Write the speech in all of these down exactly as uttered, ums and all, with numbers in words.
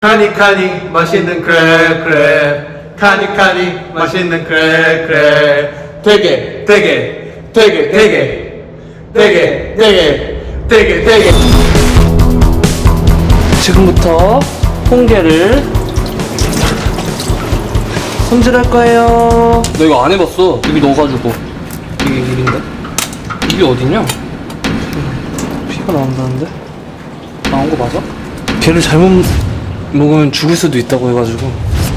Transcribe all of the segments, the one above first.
카니 카니 맛있는 크랩 크랩 카니 카니 맛있는 크랩 크랩 되게 되게 되게 되게 되게 되게 되게 되게 지금부터 홍게를 손질할 거예요. 나 이거 안 해봤어. 입이 넣어가지고. 이게 입인데? 입이 어디냐? 피가 나온다는데? 나온 거 맞아? 걔를 잘못 먹으면 죽을 수도 있다고 해가지고.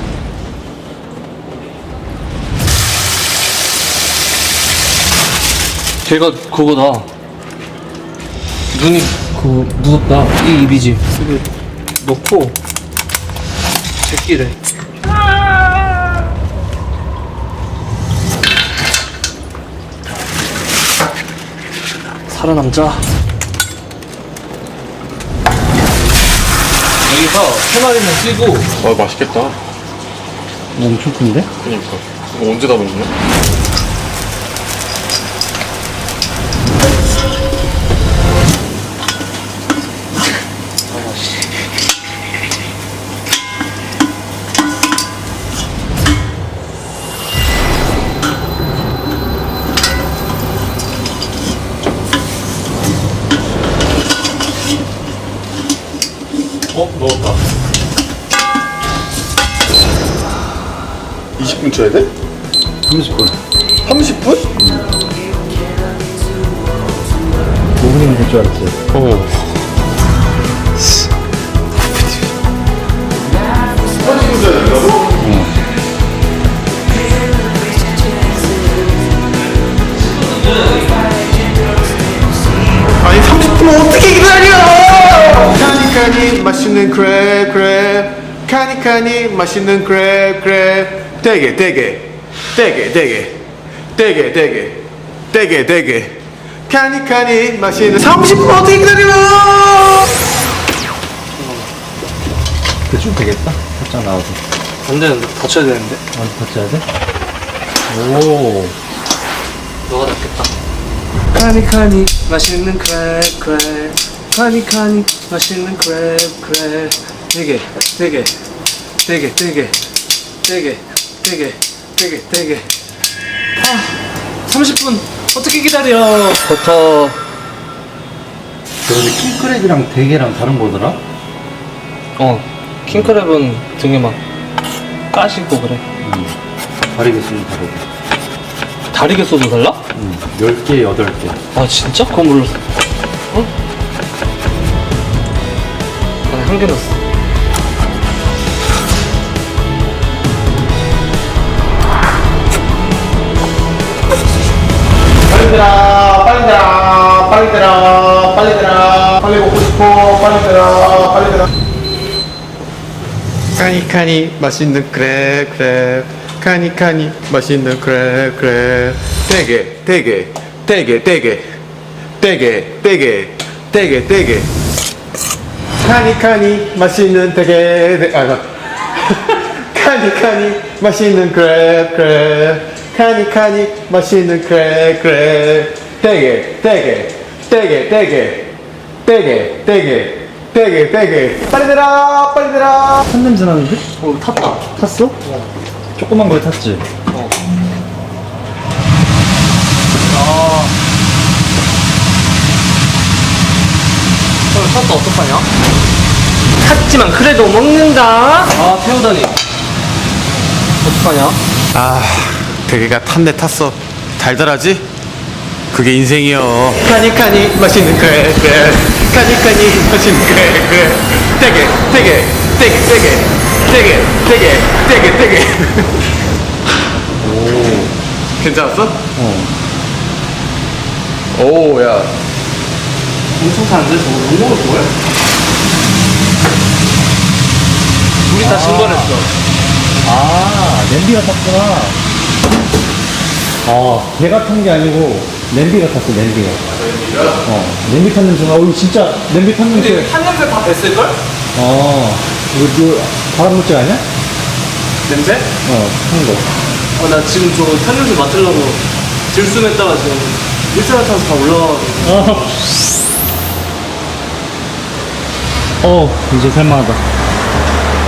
걔가 그거다. 눈이 그거 무섭다. 이 입이지. 이거 넣고 제끼래. 살아남자. 여기서 세 마리는 뛰고. 아 맛있겠다. 엄청 큰데? 그니까 이거 언제 다 먹냐? 어? 넣었다. 이십 분 쳐야 돼? 삼십 분. 삼십 분? 오 분이면 될 줄 알았어요. 어. 삼십 분 쳐야 된다고? 아니 삼십 분 어떻게 기다려 카니 카니 맛있는 크랩 크랩 카니 카니 맛있는 크랩 크랩 되게 되게 되게 되게 되게 되게 되게 되게 카니 카니 맛있는 삼십 분 어떻게 기다려 대충 되겠다. 살짝 나와서. 안 되는데? 다쳐야 되는데? 완전 터치해야 돼? 오. 너가 낫겠다. 카니 카니 맛있는 크랩 크랩 카니 카니 맛있는 크랩 크랩 되게 되게 되게 되게 되게 되게 되게 되게 아 삼십 분 어떻게 기다려. 버터 근데 킹크랩이랑 대게랑 다른 거더라? 어 킹크랩은 등에 막 까시고 그래. 응. 다르게 쓰면 다르게. 다리게 써도 달라? 응. 열 개, 여덟 개. 아 진짜? 그건 몰랐어. 어? 아니 한 개 넣었어. 빨리 들아 빨리 들아 빨리 들아 빨리 들아 빨리 먹고 싶어 빨리 들아 빨리 들아 카니 카니 맛있는 크랩 크랩 카니 카니 맛있는 크랩 크랩 되게 되게 되게 되게 되게 되게 되게 되게 카니 카니 맛있는 되게 되- 아 나- 카니 카니 맛있는 크랩 크랩 카니 카니 맛있는 크랩 크랩 되게 되게 되게 되게 되게 되게 되게 되게 빨리 들어 빨리 들어 탄 냄새 나는데? 어 탔다. 탔어? 조그만 거에 탔지? 어. 아. 어, 탔다 어떡하냐? 탔지만 그래도 먹는다. 아 태우다니. 어떡하냐? 아 대게가 탔네 탔어 달달하지? 그게 인생이요 카니 카니 맛있는 그래 그래 카니 카니 맛있는 그래 그래 되게 되게 되게 되게 되게 되게 되게 되게 오 괜찮았어? 어. 오야 엄청 타는데 저거 못 먹을 거야? 우리 다 증발했어. 아, 냄비가 탔구나. 아, 개가 탄 게 아니고, 냄비가 탔어, 냄비가. 어, 냄비 탄 냄새가, 어, 진짜, 냄비 탄 냄새. 근데 탄 냄새 다 뱄을걸? 어, 이거, 이거, 바람물질 아니야? 냄새? 어, 탄 거. 어, 나 지금 저 탄 냄새 맡으려고 들숨했다가 지금 일산화탄소 다 올라와가지고. 어. 어, 이제 살만하다.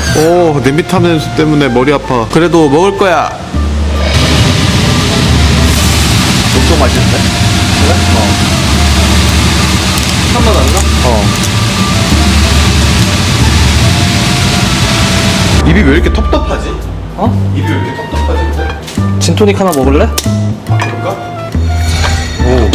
오, 냄비 타는 냄새 때문에 머리 아파. 그래도 먹을 거야. 엄청 맛있는데? 그래? 어. 한번 안 나? 어. 입이 왜 이렇게 텁텁하지? 어? 입이 왜 이렇게 텁텁하지? 근데? 진토닉 하나 먹을래? 아, 그럴까? 오.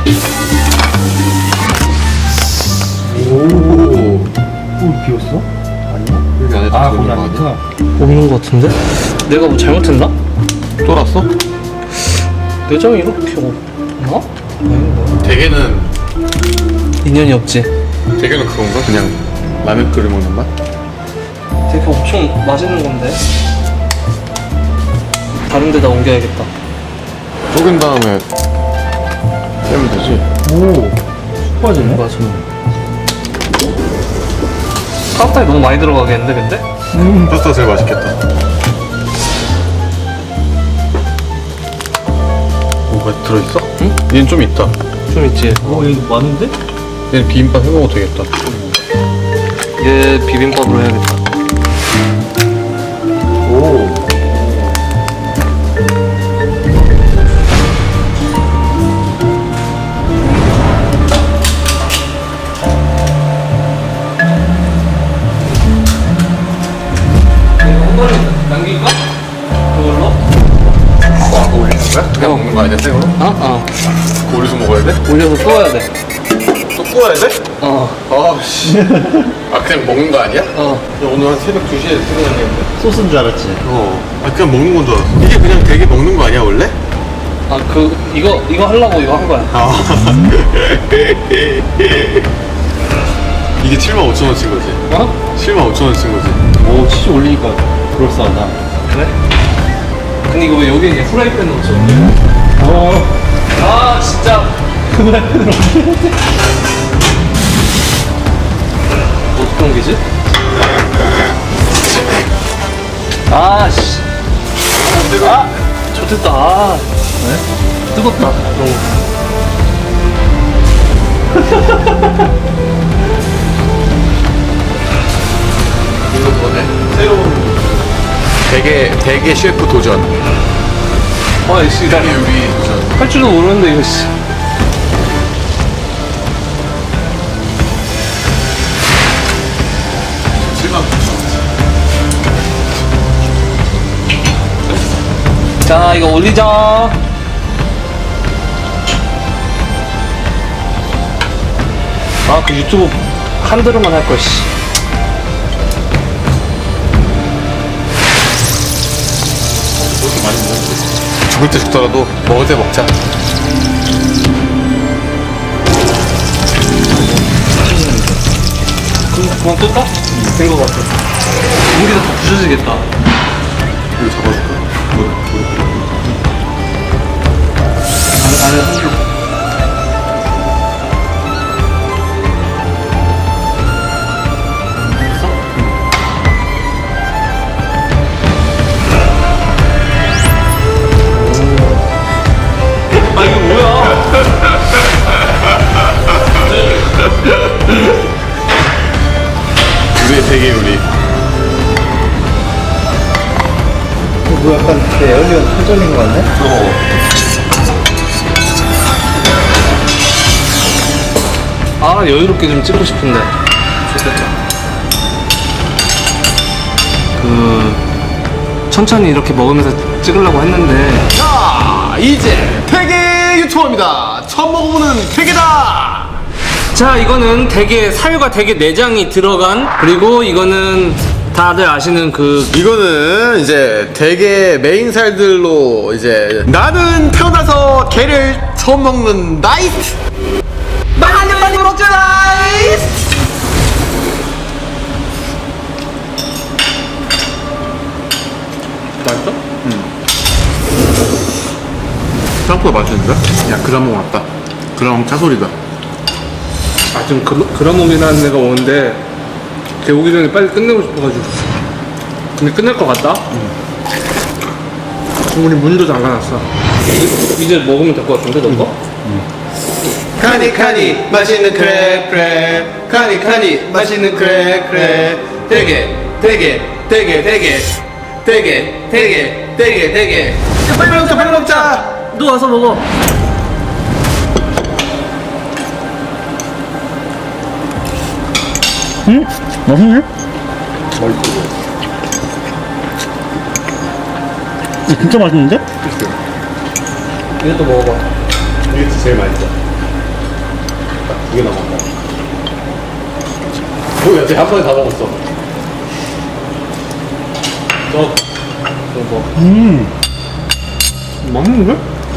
오. 오, 비었어? 아니야? 여기 안에 아, 다 거기 들어있는 거 안 아니야? 있구나. 없는 것 같은데? 내가 뭐 잘못했나? 쫄았어? 내장이 이렇게 없나? 아닌가? 대게는 인연이 없지. 대게는 그건가? 그냥 라면 끓여 먹는 맛? 되게 엄청 맛있는 건데. 다른 데다 옮겨야겠다. 쪼갠 다음에 빼면 되지. 오, 쑥 빠지네. 맞아. 파스타에 너무 많이 들어가겠는데, 근데? 음. 파스타 제일 맛있겠다. 뭐가 들어있어? 응? 얘는 좀 있다. 좀 있지. 오, 여기 많은데? 얘는 비빔밥 해먹어도 되겠다. 얘 비빔밥으로 해야겠다. 오. 한 번에 남길까? 그걸로? 아, 그거 올리는 거야? 그냥 먹는 거 아니야, 생으로? 어? 어. 그거 올려서 먹어야 돼? 올려서 구워야 돼. 또 구워야 돼? 어. 아, 씨. 아, 그냥 먹는 거 아니야? 어. 야, 오늘 한 새벽 두 시에 퇴근하겠는데? 소스인 줄 알았지. 어. 아, 그냥 먹는 건 줄 알았어. 이게 그냥 되게 먹는 거 아니야, 원래? 아, 그, 이거, 이거 하려고 이거 한 거야. 아. 이게 칠만 오천 원친 거지? 어? 칠만 오천 원친 거지? 오, 치즈 올리니까 그럴싸하다. 그래? 근데 이거 왜 여기 이제 프라이팬 넣지? 어, 아, 진짜. 프라이팬으로. 어떻게 옮기지? 아, 씨. 아, 좋겠다. 아, 네? 뜨겁다. 너무. 이거 뭐네? 새로운 대게, 대게 셰프 도전. 아, 씨, 나 대게 요리 도전. 할 줄도 모르는데, 이거, 씨. 칠만 오천 원. 자, 이거 올리자. 아, 그 유튜브 한 드럼만 할 걸, 씨. 그렇게 많이 먹는데. 죽을 때 죽더라도 먹을 때 먹자. 그럼 그만 끌까? 된 거 같아. 여기다 다 부셔지겠다. 이거 잡아줄까? 뭐, 뭐, 안에 한 줄. 아, 이거 뭐야? 우리의 대게 요리. 뭐 약간 그 에어리언 설정인 거 같네? 어. 아, 여유롭게 좀 찍고 싶은데. 좋겠다. 그, 천천히 이렇게 먹으면서 찍으려고 했는데. 자, 이제 대게 유튜버입니다. 처음 먹어보는 대게다. 자, 이거는 대게, 살과 대게 내장이 들어간, 그리고 이거는 다들 아시는 그, 이거는 이제 대게 메인 살들로 이제 나는 태어나서 게를 처음 먹는 나이스. 많이 많이 먹자 나이스. 맛있어? 생각보다 맛있는데? 야, 그라몽 왔다. 그라몽 차소리다. 아, 지금 그, 그라몽이라는 애가 오는데, 걔 오기 전에 빨리 끝내고 싶어가지고. 근데 끝낼 것 같다? 우리 문도 잠가놨어. 이제, 이제 먹으면 될 것 같은데, 너거? 카니 카니 맛있는 크랩 크랩 카니 카니 맛있는 크랩 크랩 대게 대게 되게 되게 되게 되게 되게 되게 야, 빨리 먹자 빨리 먹자. 너 와서 먹어. 응? 맛있네? 이거 진짜 맛있는데? 이것도 먹어봐. 이게 제일 맛있어. 딱 두 개 남았다. 뭐야, 쟤한 번에 다 먹었어. 너, 너 뭐? 음. 맛있는데?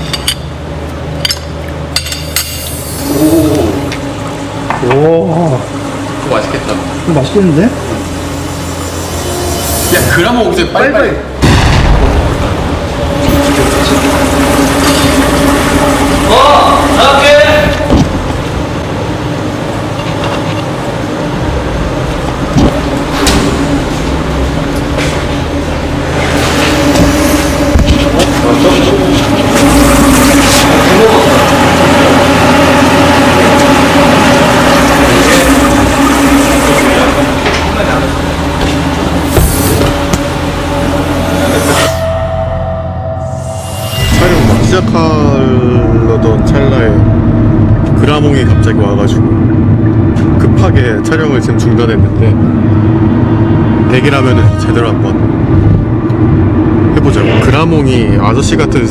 오. 그거 맛있겠다. 이거 맛있겠는데? 야 그라모 오기 전에 빨리 빨리. 어, 나갈게. 촬영 막 시작하려던 찰나에 그라몽이 갑자기 와가지고 급하게 촬영을 지금 중단했는데 대기라면은 제대로 한번 해보자고. 그라몽이 아저씨 같은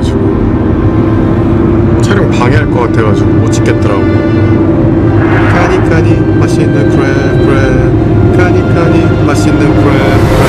스타일이어가지고 촬영 방해할 것 같아가지고 못 찍겠더라고. 카니 카니 맛있는 크랩 크랩 카니 카니 맛있는 크랩 크랩